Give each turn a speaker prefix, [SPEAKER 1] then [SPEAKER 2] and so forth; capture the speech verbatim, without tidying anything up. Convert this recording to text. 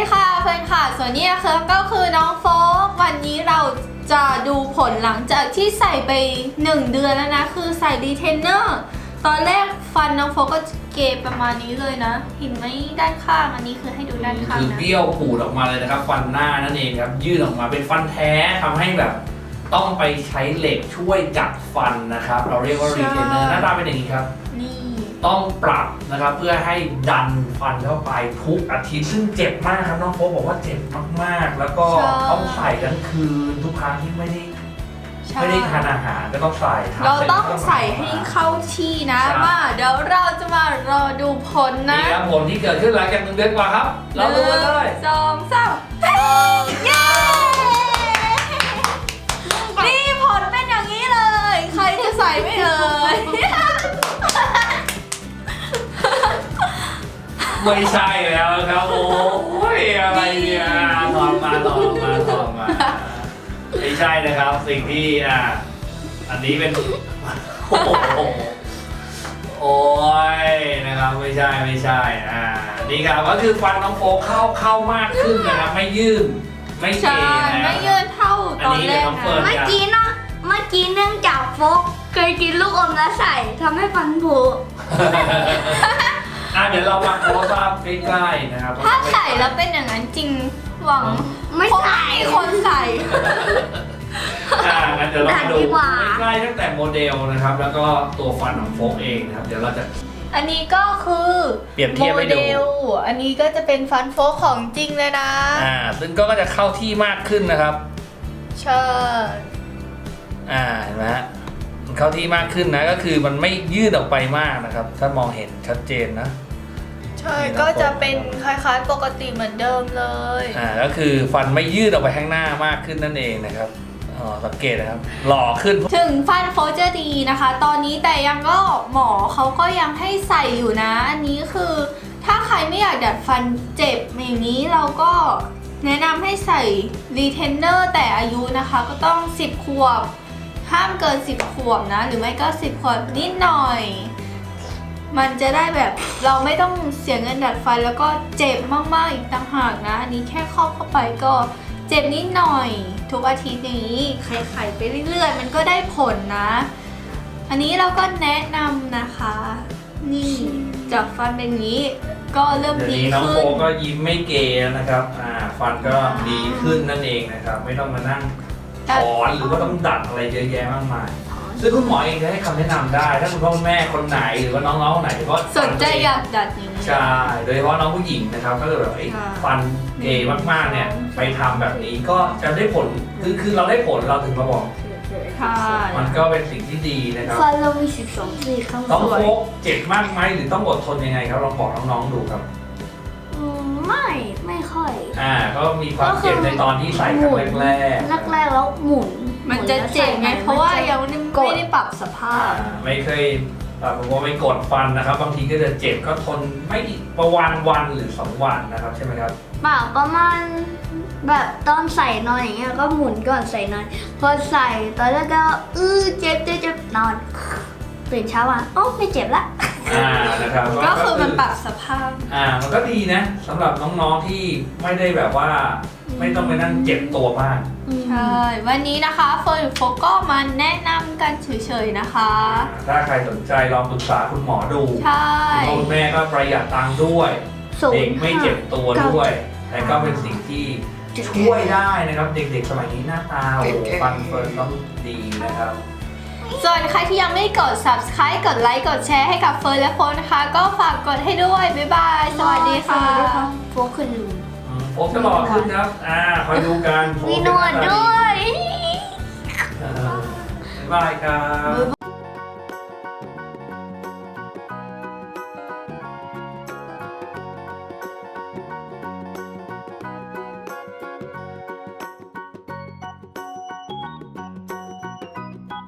[SPEAKER 1] ดีค่ะเพื่อนค่ะส่วนนี้นะคะก็คือน้องโฟกวันนี้เราจะดูผลหลังจากที่ใส่ไปหนึ่งเดือนแล้วนะคือใส่รีเทนเนอร์ตอนแรกฟันน้องโฟกก็เกยประมาณนี้เลยนะเห็นไหมด้านข้างอันนี้คือให้ดูด้านข้างนะ
[SPEAKER 2] คือเบี้ยวปูดออกมาเลยนะครับฟันหน้านั่นเองครับยื่นออกมาเป็นฟันแท้ทำให้แบบต้องไปใช้เหล็กช่วยจับฟันนะครับเราเรียกว่ารีเทนเนอร์หน้าตาเป็นอย่างนี้ครับ
[SPEAKER 1] นี่
[SPEAKER 2] ต้องปรับนะครับเพื่อให้ดันฟันเข้าไปทุกอาทิตย์ซึ่งเจ็บมากครับน้องโฟกบอกว่าเจ็บมากๆแล้วก็ต้องใส่ทั้งคืนทุกครั้งที่ไม่ได้ไม่ได้ทานอาหารก็ต้องใส่
[SPEAKER 1] เราต้องใส่ให้เข้าที่นะมาเดี๋ยวเราจะมารอดูผลนะ
[SPEAKER 2] นี่ครับผลที่เกิดขึ้นหลังจากหนึ่งเดือนกว่าครับเราดูกันเลย
[SPEAKER 1] สองสามเย้นี่ผลเป็นอย่างนี้เลยใครจะใส่ไม่เอ่ย
[SPEAKER 2] ไม่ใช่แล้วครับโอ้ยอะไรเนี่ยถอดมาถอดมาถอดมาไม่ใช่นะครับสิ่งที่อ่าอันนี้เป็นโอ้โหโอ้ยนะครับไม่ใช่ไม่ใช่อ่านี่ครับก็คือฟันน้องโฟกเข้าเข้ามากขึ้นนะครับไม่ยืดไม่เกยนะ
[SPEAKER 1] ไม่ยืดเท่าตอนแรกนะ
[SPEAKER 3] เมื่อกี้เนาะเมื่อกี้เนื่องจากโฟกเคยกินลูกอมแล้วใส่ทำให้ฟันผุ
[SPEAKER 2] อ่ะเดี๋ยวเรามาโพสภาพใกล้ๆนะครับ
[SPEAKER 1] ถ้าใส่แล้วเป็นอย่างนั้นจริงหวัง
[SPEAKER 3] ไม่ใส่
[SPEAKER 1] คนใส่
[SPEAKER 2] อ่างั้นเดี๋ยวเราดูใกล้ๆตั้งแต่โมเดลนะครับแล้วก็ตัวฟันของโฟกเองนะครับเดี๋ยวเราจะ
[SPEAKER 1] อันนี้ก็คือ
[SPEAKER 2] เปรียบเทียบให้ดู
[SPEAKER 1] อันนี้ก็จะเป็นฟันโฟกของจริงเลยนะ
[SPEAKER 2] อ่าซึ่งก็จะเข้าที่มากขึ้นนะครับ
[SPEAKER 1] ใช่
[SPEAKER 2] อ่าเห็นไหมฮะมันเข้าที่มากขึ้นนะก็คือมันไม่ยืดออกไปมากนะครับถ้ามองเห็นชัดเจนนะ
[SPEAKER 1] ใช่ก็จะเป็นคล้ายๆปกติเหมือนเดิมเลย
[SPEAKER 2] อ่าก็คือฟันไม่ยืดออกไปข้างหน้ามากขึ้นนั่นเองนะครับอ๋อสังเกตนะครับหล่อขึ้น
[SPEAKER 1] ถึงฟันโฟกจะดีนะคะตอนนี้แต่ยังก็หมอเขาก็ยังให้ใส่อยู่นะอันนี้คือถ้าใครไม่อยากดัดฟันเจ็บอย่างนี้เราก็แนะนำให้ใส่รีเทนเนอร์แต่อายุนะคะก็ต้องสิบขวบห้ามเกินสิบขวบนะหรือไม่ก็สิบขวบนิดหน่อยมันจะได้แบบเราไม่ต้องเสียเงินดัดฟันแล้วก็เจ็บมากๆอีกต่างหากนะอันนี้แค่ครอบเข้าไปก็เจ็บนิดหน่อยทุกอาทิตย์นี้ไขๆไปเรื่อยๆมันก็ได้ผลนะอันนี้เราก็แนะนำนะคะนี่จับฟันเป็นนี้ก็เริ่มดีขึ้น
[SPEAKER 2] น้องโฟก็ยิ้มไม่เกยนะครับอ่าฟันก็ดีขึ้นนั่นเองนะครับไม่ต้องมานั่งถอนหรือว่าต้องดัดอะไรเยอะแยะมากมายซึ่งคุณหมอเองจะให้คำแนะนำได้ถ้าคุณพ่อคุณแม่คนไหนหรือว่าน้องๆคนไหนก็
[SPEAKER 1] สนใจอยากดัดอย่างนี้
[SPEAKER 2] ใช่โดยเฉพาะน้องผู้หญิงนะครับก็แบบฟันเกยมากๆเนี่ยไปทำแบบนี้ก็จะได้ผลคือคือเราได้ผลเราถึงมาบอกมันก็เป็นสิ่งที่ดีนะครับ
[SPEAKER 3] ฟันเรามีสิบสองซี่ข้าง
[SPEAKER 2] ต้องโฟกเจ็บมากไหมหรือต้องอดทนยังไงครับลองบอกน้องๆดูครับ
[SPEAKER 3] ไม่ไม่ค่อย
[SPEAKER 2] อ่าก็มีความเจ็บในตอนที่ใส่ครั้งแรก
[SPEAKER 3] แรกๆแล้วหมุน
[SPEAKER 1] มันจะเจ็บไงเพราะว่ายังไม่ได้ปรับสภาพ
[SPEAKER 2] ไม่เคยแบบว่าไม่กดฟันนะครับบางทีก็จะเจ็บก็ทนไม่ประวันวันหรือสองวันนะครับใช่ไหมครับ
[SPEAKER 3] เปล่าประมาณแบบตอนใส่นอนอย่างเงี้ยก็หมุนก่อนใส่นอนพอใส่ตอนแรกก็อื้อเจ็บเจ็บเจ็บนอนตื่นเช้ามาโอ้ไม่เจ็บละ
[SPEAKER 2] อ่านะครับ
[SPEAKER 1] ก็คือมันปรับสภาพ
[SPEAKER 2] อ่ามันก็ดีนะสำหรับน้องๆที่ไม่ได้แบบว่าไม่ต้องไปนั่งเจ็บตัวมาก
[SPEAKER 1] ใช่วันนี้นะคะเฟิร์นโฟก็มาแนะนำกันเฉยๆนะคะ
[SPEAKER 2] ถ้าใครสนใจลองปรึกษาคุณหมอดู
[SPEAKER 1] ใช่
[SPEAKER 2] คุณแม่ก็ประหยัดตังค์ด้วยเด็กไม่เจ็บตัวด้วยและก็เป็นสิ่งที่ช่วยได้นะครับเด็กๆสมัยนี้หน้าตาโอ้ฟันเฟิร์นต้องดีนะครับ
[SPEAKER 1] ส่วนใครที่ยังไม่กด ซับสไครบ์ กดไลค์ กดแชร์ให้กับเฟิร์นและโฟนนะคะ ก็ฝากกดให้ด้วย บ๊ายบาย สวัสดีค่ะ
[SPEAKER 3] โฟขึ้นลุง
[SPEAKER 2] โฟจะหล่อขึ้นครับอ่าคอยดูกัน
[SPEAKER 3] มีหนวดด้วย
[SPEAKER 2] บ๊ายบายครับ